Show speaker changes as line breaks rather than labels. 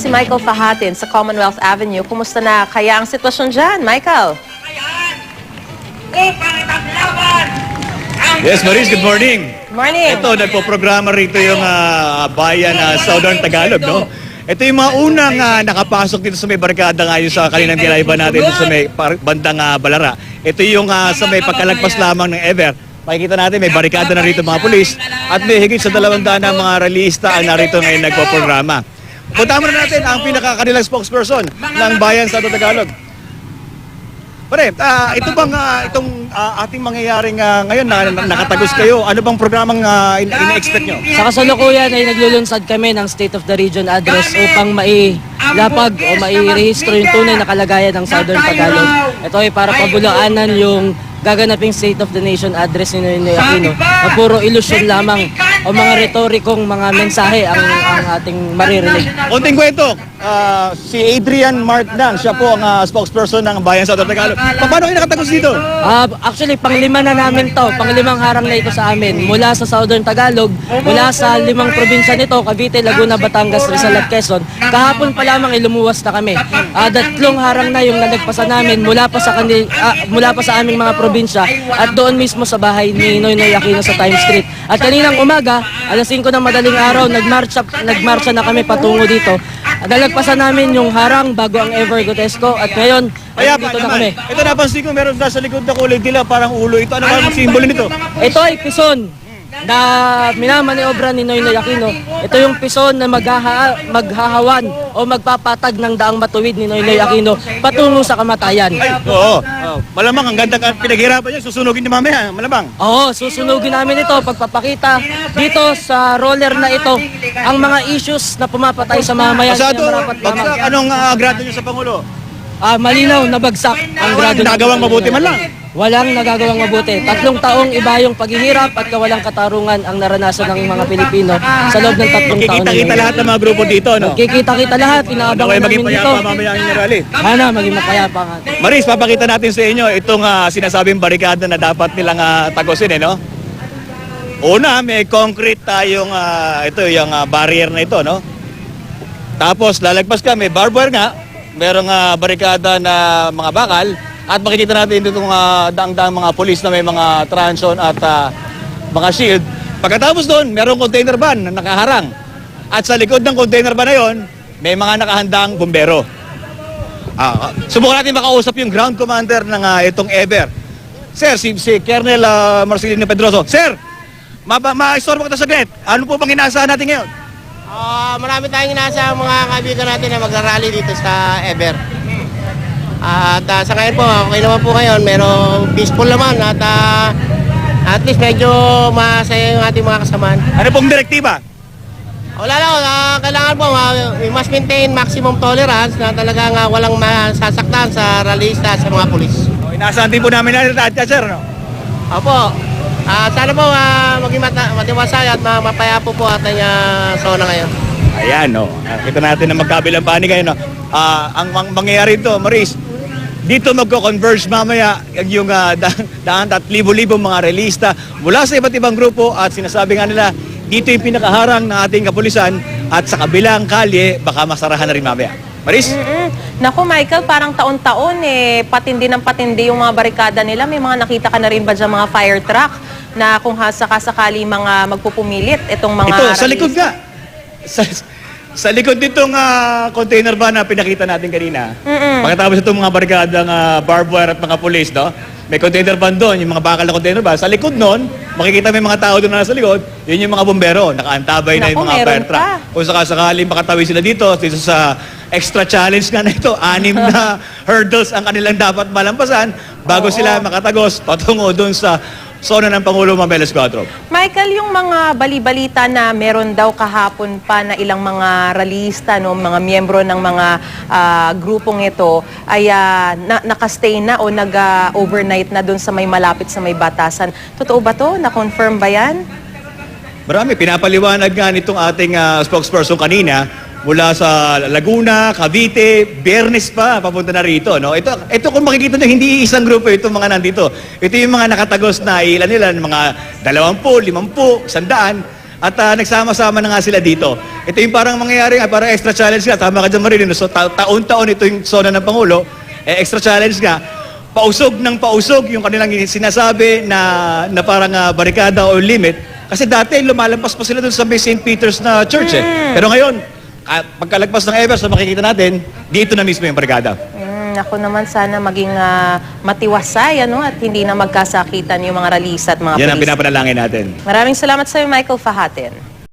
si Michael Fahatin sa Commonwealth Avenue. Kumusta na kaya ang sitwasyon dyan, Michael?
Yes, Maris, good morning.
Morning.
Ito, nagpo-programa rito yung bayan Southern Tagalog, no? Ito yung mga unang nakapasok dito sa may barkada ngayon sa kaninang tinaiba natin dito sa may bandang Balara. Ito yung sa may pagkalagpas lamang ng Ever. Makikita natin may barikada na rito mga pulis at may higit sa 200 na mga realista ang narito ngayon nagpo-programa. Punta muna natin ang pinakakanilang spokesperson ng bayan sa Tagalog. Pare, ito bang itong ating mangyayaring ngayon na nakatagos kayo, ano bang programang ina-expect nyo?
Sa kasalukuyan ay naglulunsad kami ng State of the Region Address upang mailapag o mairehistro yung tunay na kalagayan ng Southern Tagalog. Ito ay para pabulaanan yung gaganaping State of the Nation Address ni Noynoy Aquino na puro ilusyon lamang o mga retorikong mga mensahe ang ating maririnig.
Konting kwento, si Adrian Martnang, siya po ang spokesperson ng Bayan sa Tagalog. Paano kayo nakatagos dito?
Actually, panglima na namin to. Panglimang harang na ito sa amin. Mula sa Southern Tagalog, mula sa 5 probinsya nito, Cavite, Laguna, Batangas, Rizal at Quezon. Kahapon pa lamang ilumuwas na kami. 3 harang na yung nalagpasan namin mula pa sa aming mga probinsya at doon mismo sa bahay ni Noynoy Aquino sa Times Street. At kaninang umaga, alas 5 ng madaling araw, nagmarcha na kami patungo dito. Nalagpasan namin yung harang bago ang Ever Gotesco at ngayon, dito na kami.
Ito napansin ko meron sa likod na kulay dila parang ulo. Ito ano ang simbolo nito?
Ito ay pison na minamaniobra ni Noynoy Aquino. Ito yung pison na maghahawan o magpapatag ng daang matuwid ni Noynoy Aquino patungo sa kamatayan.
Ay, oo. Malamang ang ganda pinaghirapan niya, susunugin niya mamaya, malamang.
Oo, susunugin namin ito pagpapakita dito sa roller na ito ang mga issues na pumapatay sa mamayan.
Pasado,
Kaya marapat lamang.
bagsak, anong grado niyo sa Pangulo?
Malinaw na bagsak ang grado.
Nagawang mabuti man lang.
Walang nagagawang mabuti. 3 taong iba yung paghihirap at kawalang katarungan ang naranasan ng mga Pilipino sa loob ng 3 taon.
Kikita-kita lahat ng mga grupo dito, no?
Kikita-kita lahat, inaabangan
Maging
namin dito.
payapa mamaya ang rally.
Sana maging mapayapa nga.
Maris, papakita natin sa inyo itong sinasabing barikada na dapat nilang tagusin, no? Una, may concrete tayong ito yung barrier na ito, no? Tapos lalagpas ka, may barbed wire nga, merong barikada na mga bakal at makikita natin itong daang-daang mga pulis na may mga transon at mga shield. Pagkatapos doon, merong container van na nakaharang. At sa likod ng container van na yon, may mga nakahandang bumbero. Subukan natin makausap yung ground commander ng itong Ever. Sir, si Colonel Marcelino Pedroso. Sir, ma-istorbo kita saglit. Ano po bang inaasahan natin ngayon?
Marami tayong inaasahan mga kaibigan natin na magrarally dito sa Ever. At sa ngayon po, okay naman po ngayon. Merong peaceful naman at least medyo masaya yung ating mga kasamaan.
Ano pong direktiba?
Wala lang, kailangan po, we must maintain maximum tolerance na talagang walang masasaktan sa rallyista sa mga pulis.
Inaasahan din po namin na sir, no?
Opo, sana po maging matiwasay at mapayapo po ating zona ngayon.
Ayan, no. Kita natin na magkabilang panig ngayon, no. Ang mangyayari ito, Maris, dito magko-converge mamaya yung daan at libo-libong mga relista mula sa iba't ibang grupo at sinasabi nga nila, dito yung pinakaharang ng ating kapulisan at sa kabilang kalye, baka masarahan na rin mamaya. Maris?
Naku, Michael, parang taon-taon patindi ng patindi yung mga barikada nila. May mga nakita ka na rin ba dyan mga fire truck na kung sakasakali mga magpupumilit itong mga
Ito, sa likod nga. Sa likod nitong container van na pinakita natin kanina. Pagkatapos itong mga barikadang barbed wire at mga pulis, no? May container van doon, yung mga bakal na container van. Sa likod noon, makikita may mga tao doon na nasa likod, yun yung mga bumbero. Nakaantabay na yung mga fire truck. Kung sakasakali makatawi sila dito sa extra challenge nga na ito, 6 na hurdles ang kanilang dapat malampasan bago sila makatagos patungo doon sa zona ng Pangulo Mameles 4.
Michael, yung mga bali-balita na meron daw kahapon pa na ilang mga ralista, no, mga miyembro ng mga grupong ito ay nakastay na o nag-overnight na doon sa may malapit sa may batasan. Totoo ba to? Na-confirm ba yan?
Marami. Pinapaliwanag nga nitong ating spokesperson kanina mula sa Laguna, Cavite, Biyernes pa, papunta na rito. No? Ito kung makikita nyo, hindi isang grupo itong mga nandito. Ito yung mga nakatagos na ilan nila, mga 20, 50, 100. At nagsama-sama na nga sila dito. Ito yung parang mangyayari nga, parang extra challenge nga. Tama ka dyan, Marilyn. So, taon-taon ito yung zona ng Pangulo. Extra challenge nga. Pausog ng pausog yung kanilang sinasabi na parang barikada o limit. Kasi dati lumalampas pa sila dun sa may St. Peter's na church Pero ngayon, pagkalagpas ng Evers na makikita natin, dito na mismo yung barikada.
Ako naman sana maging matiwasay at hindi na magkasakitan yung mga ralista at mga
Yan ang
pulis.
pinapanalangin natin.
Maraming salamat sa iyo, Michael Fahatin.